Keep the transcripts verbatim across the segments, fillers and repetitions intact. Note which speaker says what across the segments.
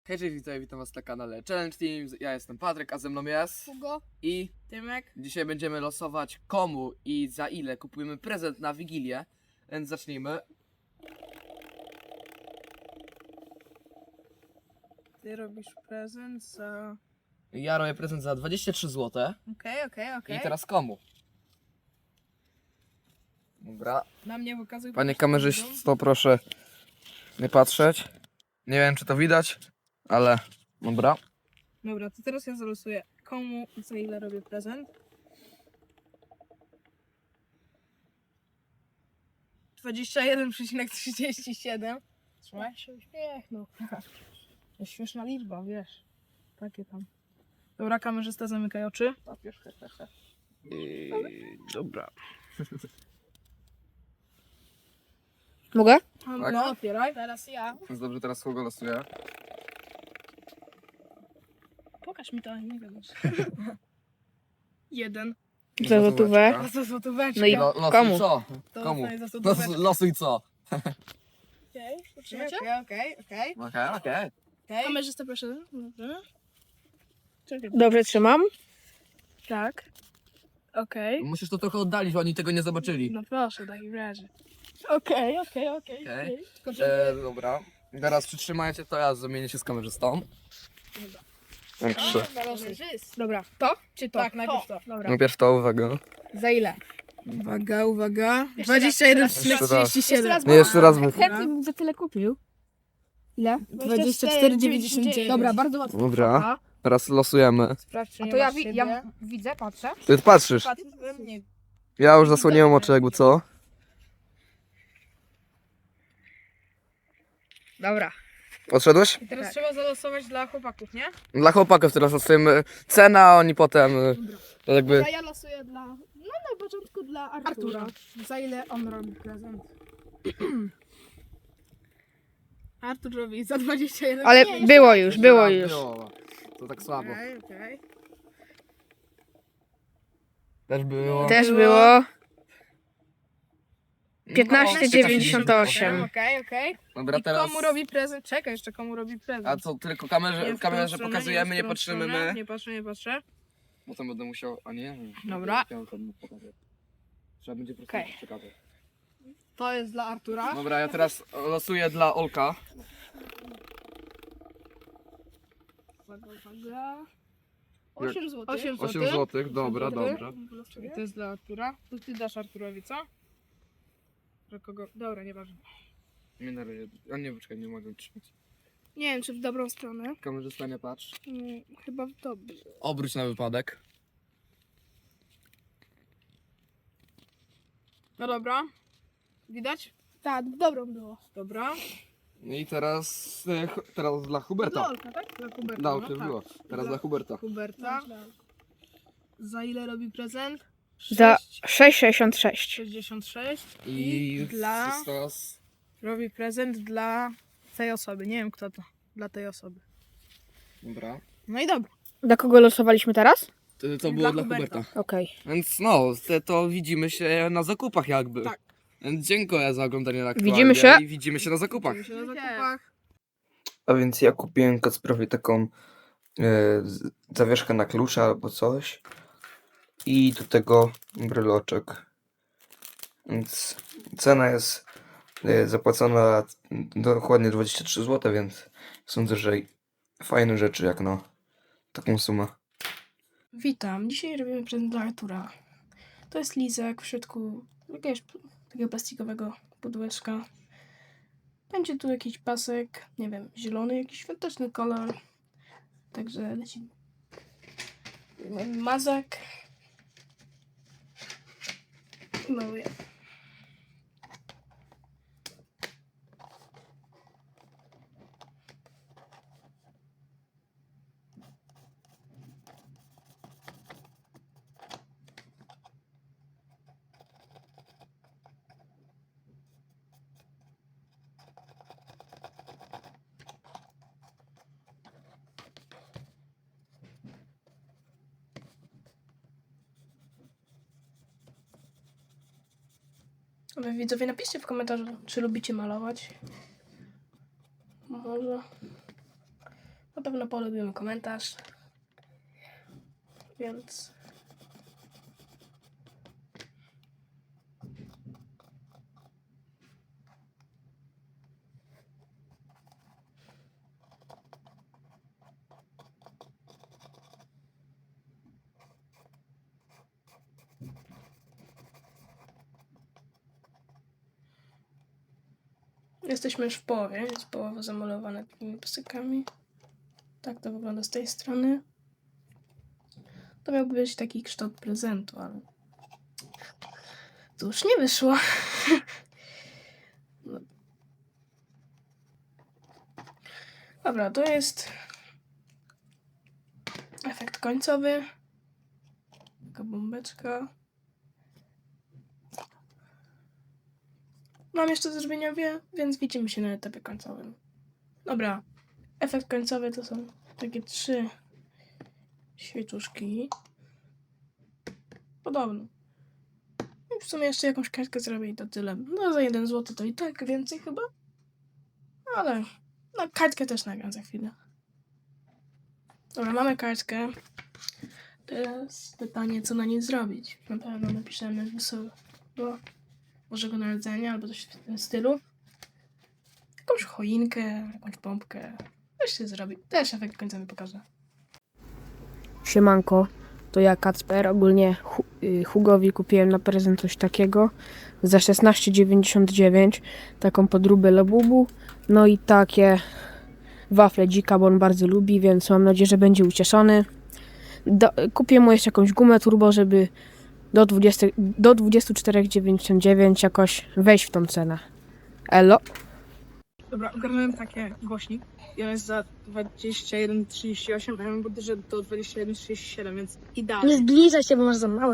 Speaker 1: Hej, cześć, witam, witam was na kanale Challenge Team. Ja jestem Patryk, a ze mną jest
Speaker 2: Hugo
Speaker 1: i
Speaker 2: Tymek.
Speaker 1: dzisiaj będziemy losować komu i za ile kupujemy prezent na Wigilię. Więc zacznijmy.
Speaker 2: Ty robisz prezent za...
Speaker 1: Ja robię prezent za dwadzieścia trzy złote.
Speaker 2: Okej, okej, okej.
Speaker 1: I teraz komu? Dobra.
Speaker 2: Na mnie wykazuj...
Speaker 1: Panie
Speaker 2: proszę,
Speaker 1: kamerzysto, proszę nie patrzeć. Nie wiem, czy to widać, ale dobra.
Speaker 2: Dobra, to teraz ja zalosuję. Komu i za ile robię prezent? dwadzieścia jeden przecinek trzydzieści siedem. Trzymaj się, uśmiechnął. To jest śmieszna liczba, wiesz. Takie tam. Dobra, kamerzysta, zamykaj oczy.
Speaker 1: I... Dobra.
Speaker 3: Mogę?
Speaker 1: Tak?
Speaker 2: No, otwieraj. Teraz ja.
Speaker 1: Więc dobrze, teraz kogo losuję?
Speaker 2: Pokaż mi to, nie wiem. Jeden.
Speaker 3: Za złotówę.
Speaker 2: A za złotóweczkę.
Speaker 3: No i
Speaker 1: Lo, losuj
Speaker 3: komu?
Speaker 1: co?
Speaker 2: To
Speaker 1: Komu?
Speaker 2: dostaję za
Speaker 1: Los,
Speaker 2: złotóweczkę.
Speaker 1: losuj co?
Speaker 2: Okej, okay, okej, okej.
Speaker 1: Okej, okej.
Speaker 2: Kamerzysta, proszę. Dobrze. Czekaj.
Speaker 3: Dobrze trzymam.
Speaker 2: Tak. Okej.
Speaker 1: Musisz to trochę oddalić, bo oni tego nie zobaczyli.
Speaker 2: No proszę, w takim razie. Okej, okej, okej.
Speaker 1: Okej.
Speaker 2: okej. Tylko żeby...
Speaker 1: E, dobra. Teraz przytrzymajcie to, ja zamienię się z kamerzystą. Mam trzy.
Speaker 2: Dobra, to czy to? Tak, najpierw to. Dobra.
Speaker 1: Najpierw to, uwaga.
Speaker 3: Za ile?
Speaker 2: Uwaga, uwaga.
Speaker 3: Jeszcze
Speaker 2: dwadzieścia jeden
Speaker 3: raz,
Speaker 2: przecinek
Speaker 1: jeszcze raz.
Speaker 2: trzydzieści siedem.
Speaker 1: Nie, jeszcze raz mów.
Speaker 3: Chętnie bym za tyle kupił. Ile?
Speaker 2: dwadzieścia cztery dziewięćdziesiąt dziewięć.
Speaker 3: Dobra, bardzo łatwo.
Speaker 1: Dobra. Teraz losujemy.
Speaker 2: Sprawdź, czy
Speaker 3: A
Speaker 2: nie
Speaker 3: to ja,
Speaker 2: masz
Speaker 3: wi-
Speaker 2: siebie.
Speaker 3: ja widzę, patrzę.
Speaker 1: Ty patrzysz.
Speaker 2: Patrz, nie.
Speaker 1: Ja już zasłoniłem oczy, jakby co.
Speaker 3: Dobra.
Speaker 1: Odszedłeś?
Speaker 2: I teraz trzeba zalosować dla chłopaków, nie?
Speaker 1: Dla chłopaków teraz losujemy cenę, a oni potem y, to jakby...
Speaker 4: Ja losuję dla. No na początku dla Artura.
Speaker 2: Artura. Za ile on robi prezent? Artur robi za dwadzieścia jeden.
Speaker 3: Ale
Speaker 4: Nie, jeszcze
Speaker 3: było już, było
Speaker 1: Raz
Speaker 3: już.
Speaker 1: było. To tak słabo.
Speaker 2: Okej, okej.
Speaker 1: Też było.
Speaker 3: Też
Speaker 2: Było.
Speaker 3: było.
Speaker 1: No,
Speaker 3: piętnaście dziewięćdziesiąt osiem.
Speaker 2: Okej, okej.
Speaker 1: Dobra,
Speaker 2: I
Speaker 1: teraz...
Speaker 2: komu robi prezent? Czekaj, jeszcze komu robi prezent.
Speaker 1: A co, tylko
Speaker 2: Nie
Speaker 1: kamerze,
Speaker 2: w tą
Speaker 1: kamerze
Speaker 2: stronę,
Speaker 1: pokazujemy,
Speaker 2: w
Speaker 1: nie
Speaker 2: tą
Speaker 1: patrzymy
Speaker 2: stronę.
Speaker 1: my.
Speaker 2: Nie patrzę, nie patrzę.
Speaker 1: Potem będę musiał... A nie?
Speaker 2: Dobra.
Speaker 1: Ja tam pokażę. Trzeba będzie po prostu
Speaker 2: Okej.
Speaker 1: przekazać.
Speaker 2: To jest dla Artura.
Speaker 1: Dobra, ja teraz losuję dla Olka.
Speaker 2: Uwaga, uwaga.
Speaker 4: osiem złotych.
Speaker 2: osiem
Speaker 1: osiem
Speaker 2: złotych.
Speaker 1: złotych, dobra,
Speaker 2: Dobry.
Speaker 1: dobra.
Speaker 2: Czekaj, to jest dla Artura. To ty dasz Arturowi, co? Że kogo? Dobra, nieważne.
Speaker 1: Nie na razie. A nie, poczekaj, nie mogę trzymać.
Speaker 4: Nie wiem, czy w dobrą stronę.
Speaker 1: Kamerzysta, nie patrz.
Speaker 4: Mm, chyba w dobrą.
Speaker 1: Obróć na wypadek.
Speaker 2: No dobra. Widać?
Speaker 4: Tak, w dobrą było.
Speaker 2: Dobra.
Speaker 1: I teraz... e, hu- Teraz dla Huberta.
Speaker 2: Olka, tak? Dla Huberta.
Speaker 1: Dla
Speaker 2: no
Speaker 1: Olka już
Speaker 2: tak.
Speaker 1: było. Teraz
Speaker 2: Dla-
Speaker 1: dla Huberta.
Speaker 2: Huberta. Za ile robi prezent?
Speaker 3: Za sześć sześćdziesiąt sześć.
Speaker 2: sześćdziesiąt sześć.
Speaker 1: I
Speaker 2: dla-
Speaker 1: teraz...
Speaker 2: Robi prezent dla tej osoby. Nie wiem kto to. Dla tej osoby.
Speaker 1: Dobra.
Speaker 2: No i dobra.
Speaker 3: Dla kogo losowaliśmy teraz?
Speaker 1: To, to było
Speaker 2: Dla
Speaker 1: dla
Speaker 2: Huberta.
Speaker 1: Huberta.
Speaker 3: Okej.
Speaker 1: Więc no, te, to widzimy się na zakupach jakby.
Speaker 2: Tak.
Speaker 1: Więc dziękuję za oglądanie na
Speaker 3: Widzimy się?
Speaker 1: I widzimy się na zakupach.
Speaker 2: Widzimy się na zakupach.
Speaker 5: A więc ja kupiłem Kacprowi taką e, z- zawieszkę na klucze albo coś. I do tego bryloczek. Więc cena jest e, zapłacona dokładnie dwadzieścia trzy złote, więc sądzę, że fajne rzeczy jak na taką sumę.
Speaker 4: Witam. Dzisiaj robimy prezent dla Artura. To jest lizek w środku jakiegoś p- takiego plastikowego pudełeczka. Będzie tu jakiś pasek, nie wiem, zielony, jakiś świąteczny kolor. Także leci mazak. Maluję. Wy widzowie, napiszcie w komentarzu, czy lubicie malować. Może. Na pewno polubimy komentarz. Więc... Jesteśmy już w połowie, jest połowa zamalowana takimi pstrykami. Tak to wygląda z tej strony. To miałby być taki kształt prezentu, ale to już nie wyszło. No. Dobra, to jest efekt końcowy. Taka bombeczka. Mam jeszcze do zrobienia wie, więc widzimy się na etapie końcowym. Dobra, efekt końcowy to są takie trzy świeczuszki. Podobno. I w sumie jeszcze jakąś kartkę zrobię i to tyle. No za jeden złoty to i tak więcej chyba. Ale no kartkę też nagram za chwilę. Dobra, mamy kartkę. Teraz pytanie, co na niej zrobić. Na pewno napiszemy wesoło Bożego Narodzenia albo coś w tym stylu. Jakąś choinkę, jakąś pompkę. Coś się zrobi. Też efekt końcowy pokażę.
Speaker 3: Siemanko, to ja Kacper. Ogólnie Hu- y, Hugowi kupiłem na prezent coś takiego za szesnaście dziewięćdziesiąt dziewięć, taką podróbę Labubu, no i takie wafle dzika, bo on bardzo lubi, więc mam nadzieję, że będzie ucieszony. Do, kupię mu jeszcze jakąś gumę turbo, żeby do, dwudziestu, do dwadzieścia cztery dziewięćdziesiąt dziewięć jakoś wejść w tą cenę. Elo.
Speaker 2: Dobra, ogarnąłem takie głośnik. I on jest za dwadzieścia jeden trzydzieści osiem, a ja mam budżet do dwadzieścia jeden trzydzieści siedem, więc idealnie.
Speaker 3: zbliżaj się, bo masz za małe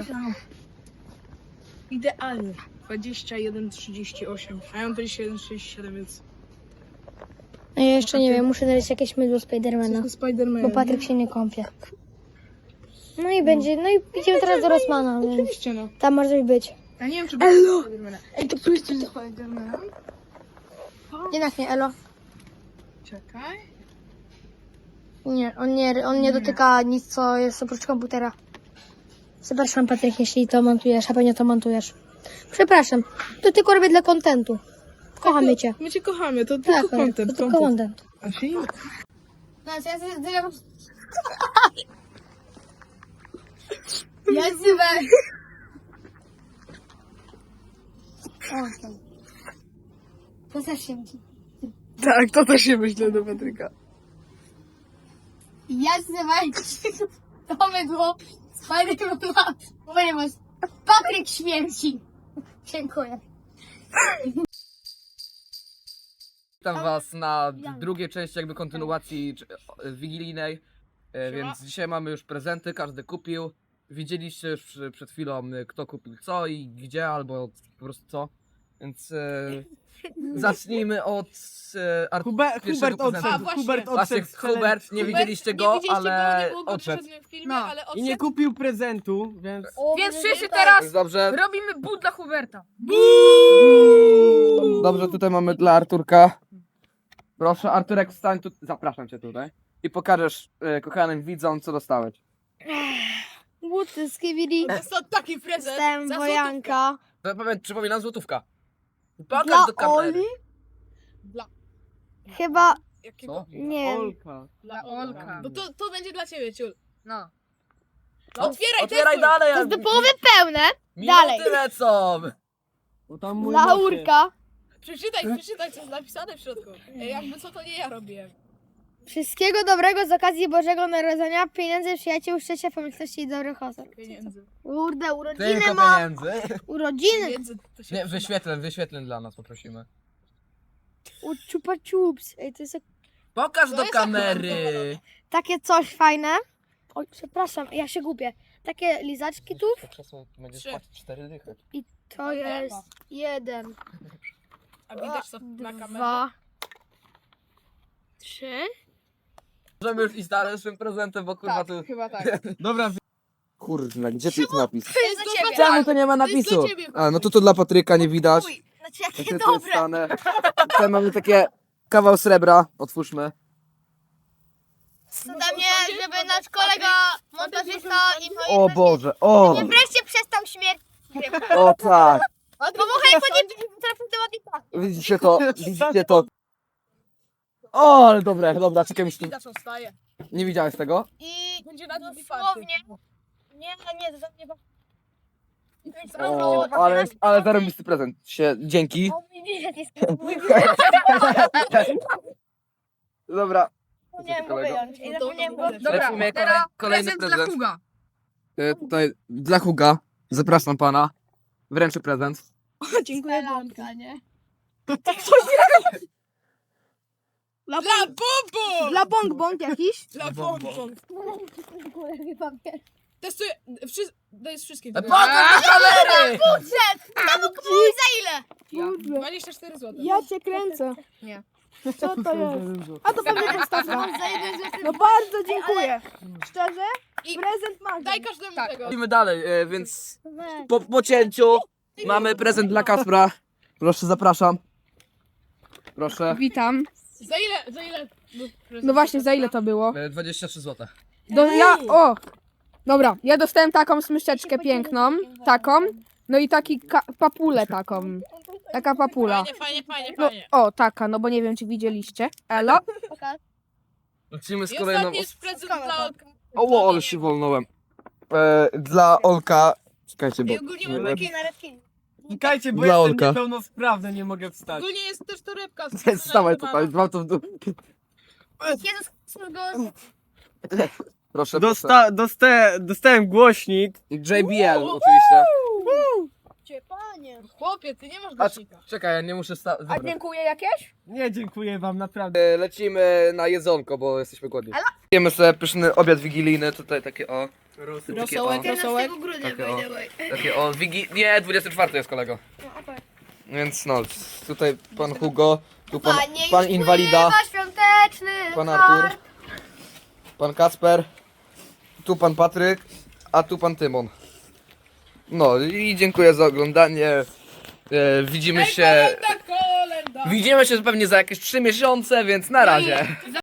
Speaker 2: Idealnie. dwadzieścia jeden trzydzieści osiem, a ja mam dwadzieścia jeden trzydzieści siedem, więc...
Speaker 6: No ja jeszcze nie wiem, muszę znaleźć jakieś mydło Spidermana,
Speaker 2: To Spiderman.
Speaker 6: bo Patryk się nie kąpie. No i będzie, no i idziemy teraz do Rossmana, więc
Speaker 2: Oczywiście, no.
Speaker 6: tam może coś być.
Speaker 2: Ja nie wiem, czy będzie Spidermana. Ej, to pójdźcie do Spidermana.
Speaker 6: Jednak nie, Elo.
Speaker 2: Czekaj.
Speaker 6: Nie, on nie, on nie dotyka nic, co jest oprócz komputera. Przepraszam, Patryk, jeśli to montujesz, a pewnie to montujesz. Przepraszam, to tylko robię dla kontentu. Kochamy cię.
Speaker 2: My cię kochamy, to
Speaker 6: Tak,
Speaker 2: tylko
Speaker 6: to
Speaker 2: content.
Speaker 6: tylko content.
Speaker 2: A się nie...
Speaker 6: Ja zywę. To też się myśli.
Speaker 2: Tak, to też się myślę do Patryka.
Speaker 6: Ja zywę. To mydło Spidermana. Ponieważ Patryk śmierci. Dziękuję.
Speaker 1: Witam was na drugiej części jakby kontynuacji czy- e, wigilijnej, e,
Speaker 2: Siema.
Speaker 1: więc dzisiaj mamy już prezenty, każdy kupił. Widzieliście już przy- przed chwilą e, kto kupił co i gdzie, albo po prostu co. Więc e, zacznijmy od e, Ar-
Speaker 7: Hubert,
Speaker 1: pierwszego
Speaker 7: Hubert
Speaker 1: prezentu.
Speaker 7: odszedł,
Speaker 2: A, właśnie.
Speaker 7: Hubert
Speaker 1: Właśnie
Speaker 7: odszedł z celem.
Speaker 1: Hubert, nie widzieliście go,
Speaker 2: nie widzieliście
Speaker 1: ale
Speaker 2: go, nie było go
Speaker 1: odszedł.
Speaker 2: na żadnym filmie,
Speaker 3: No.
Speaker 2: ale
Speaker 7: I nie
Speaker 2: odszedł.
Speaker 7: kupił prezentu, więc...
Speaker 3: Więc wszyscy teraz
Speaker 1: Więc dobrze,
Speaker 3: robimy but dla Huberta.
Speaker 1: dobrze, tutaj mamy dla Arturka. Proszę, Arturek, wstań tu, zapraszam cię tutaj. I pokażesz e, kochanym widzom, co dostałeś.
Speaker 6: Buty z Kibili.
Speaker 2: To jest to taki prezent.
Speaker 6: Jestem
Speaker 2: za
Speaker 6: wojanka.
Speaker 1: To powiem, przypominam, złotówka. Pokaż
Speaker 6: Dla
Speaker 1: do kamery.
Speaker 6: Oli?
Speaker 2: Dla...
Speaker 6: Chyba,
Speaker 2: Jakiego?
Speaker 1: Co?
Speaker 6: nie wiem.
Speaker 7: Olka.
Speaker 2: Dla Olka. No to, to będzie dla ciebie, ciul.
Speaker 3: No.
Speaker 2: No, otwieraj,
Speaker 1: Otwieraj
Speaker 2: testuj.
Speaker 1: dalej!
Speaker 6: To jest do połowy pełne.
Speaker 1: Minuty
Speaker 6: dalej.
Speaker 1: lecą!
Speaker 7: Bo tam mój
Speaker 6: Dla
Speaker 7: nosie.
Speaker 6: Urka.
Speaker 2: Przeczytaj, przeczytaj, co jest napisane w środku. Ej, jakby co, to nie ja robiłem.
Speaker 6: Wszystkiego dobrego z okazji Bożego Narodzenia, pieniędzy, przyjaciół, szczęścia, pomyślności i dobrych osób.
Speaker 2: Pieniędzy.
Speaker 6: Kurde, urodziny
Speaker 1: Tylko
Speaker 6: ma.
Speaker 1: pieniędzy.
Speaker 6: Urodziny.
Speaker 2: Pieniędzy to się
Speaker 1: Nie,
Speaker 2: przyda.
Speaker 1: wyświetleń, wyświetleń dla nas poprosimy.
Speaker 6: U Chupa Chups. Ej, to jest jak-
Speaker 1: Pokaż
Speaker 2: To
Speaker 1: do
Speaker 2: jest
Speaker 1: kamery!
Speaker 6: takie coś fajne. Oj, przepraszam, ja się gubię. Takie lizaczki tu.
Speaker 1: Będziesz
Speaker 2: Trzy.
Speaker 1: płacić cztery dychy.
Speaker 6: I to jest jeden,
Speaker 2: A widać to na kamerze?
Speaker 6: dwa, trzy.
Speaker 1: Możemy już iść dalej z tym prezentem, bo kurwa
Speaker 2: Tak,
Speaker 1: tu...
Speaker 2: chyba tak.
Speaker 7: Dobra,
Speaker 1: Kurde, gdzie tu jest napis?
Speaker 2: To jest do ciebie.
Speaker 1: Czemu to nie ma
Speaker 2: To jest
Speaker 1: napisu?
Speaker 2: dla ciebie,
Speaker 1: A, no to to dla Patryka nie widać.
Speaker 6: Uj, znaczy
Speaker 1: Ja
Speaker 6: jakie
Speaker 1: się tu
Speaker 6: dobre.
Speaker 1: stanę. Tutaj mamy takie kawał srebra. Otwórzmy.
Speaker 6: jest ode mnie, żeby nasz kolega montażysta i
Speaker 5: O Boże, o!
Speaker 6: wreszcie przestał śmierć.
Speaker 5: O tak!
Speaker 6: Pomogę po nim teraz temat.
Speaker 5: Widzicie to? Widzicie to? O, ale dobre, dobra, czekaj, myślę.
Speaker 2: Widać, on wstaje.
Speaker 5: Nie widziałeś tego?
Speaker 6: I
Speaker 2: Będzie na długi
Speaker 6: dosłownie. Nie, nie, to nie
Speaker 5: O, ale, ale zarobisty prezent. Się, dzięki.
Speaker 6: O, mój bilet jest
Speaker 5: Dobra.
Speaker 6: Nie wiem go wyjąć. I zapomniałem go.
Speaker 2: Dobra,
Speaker 1: Lecimy,
Speaker 2: teraz
Speaker 1: kolejny
Speaker 2: prezent dla
Speaker 1: prezent.
Speaker 2: Huga.
Speaker 5: E, tutaj dla Huga. Zapraszam pana. Wręczę prezent.
Speaker 6: Dziękuję bardzo. Nie?
Speaker 2: Dla Bobo!
Speaker 3: Dla bong bong jakiś?
Speaker 2: Dla Bobo! Testuję. Wszy... To jest wszystkie.
Speaker 1: Pokaż do kamery!
Speaker 6: Budżet! Temu kupuj za ile?
Speaker 2: dwadzieścia cztery złote.
Speaker 3: Ja cię kręcę.
Speaker 2: Nie.
Speaker 3: Co to jest? A to pewnie Konstancja.
Speaker 6: Za jeden złoty.
Speaker 3: No bardzo dziękuję. Szczerze?
Speaker 2: I
Speaker 3: Prezent Magdy.
Speaker 2: daj każdemu tego.
Speaker 1: Idziemy dalej, e, więc po, po cięciu mamy prezent dla Kacpra. Proszę, zapraszam. Proszę.
Speaker 3: Witam.
Speaker 2: Za ile? Za ile?
Speaker 3: No właśnie, za ile to było?
Speaker 1: E, dwadzieścia trzy złote.
Speaker 3: Do, ja, o! Dobra, ja dostałem taką smyszeczkę piękną, taką, no i taki ka- papulę taką, taka papula.
Speaker 2: Fajnie, fajnie, fajnie,
Speaker 3: No,
Speaker 2: fajnie.
Speaker 3: o, taka, no bo nie wiem, czy widzieliście. Elo?
Speaker 1: Lecimy z
Speaker 2: I
Speaker 1: kolejną...
Speaker 2: ostatni jest prezent dla Olka.
Speaker 5: O, ale się wolnąłem. E, dla Olka. Czekajcie, bo.
Speaker 2: I ogólnie mamy takie...
Speaker 7: Czekajcie, bo
Speaker 5: Dla
Speaker 7: jestem
Speaker 5: Olka.
Speaker 7: niepełnosprawny, nie mogę wstać.
Speaker 2: Ogólnie jest też torebka.
Speaker 5: Stawaj tutaj, mam to w dół.
Speaker 6: Jezus Chrystus go.
Speaker 5: Proszę, proszę.
Speaker 7: Dosta dosta dostałem głośnik.
Speaker 5: J B L oczywiście.
Speaker 6: Cię, panie.
Speaker 2: Chłopie, ty nie masz
Speaker 1: A,
Speaker 2: głośnika.
Speaker 1: czekaj, ja nie muszę sta...
Speaker 3: A
Speaker 1: Dobra.
Speaker 3: dziękuję jakieś?
Speaker 7: Nie, dziękuję wam, naprawdę.
Speaker 5: E, Lecimy na jedzonko, bo jesteśmy głodni. Jemy sobie pyszny obiad wigilijny, tutaj takie o. Takie o,
Speaker 2: Rosołek, rosołek.
Speaker 6: grudnia,
Speaker 5: Takie o.
Speaker 6: by the way.
Speaker 5: takie o wigi... Nie, dwudziestego czwartego jest kolego. Więc no, tutaj pan Hugo, tu pan,
Speaker 6: Panie,
Speaker 5: pan
Speaker 6: już
Speaker 5: inwalida,
Speaker 6: pływa świąteczny
Speaker 5: pan Artur,
Speaker 6: kar.
Speaker 5: pan Kacper, tu pan Patryk, a tu pan Tymon. No i dziękuję za oglądanie. E, widzimy się.
Speaker 2: Kolenda, kolenda.
Speaker 1: Widzimy się pewnie za jakieś trzy miesiące, więc na razie.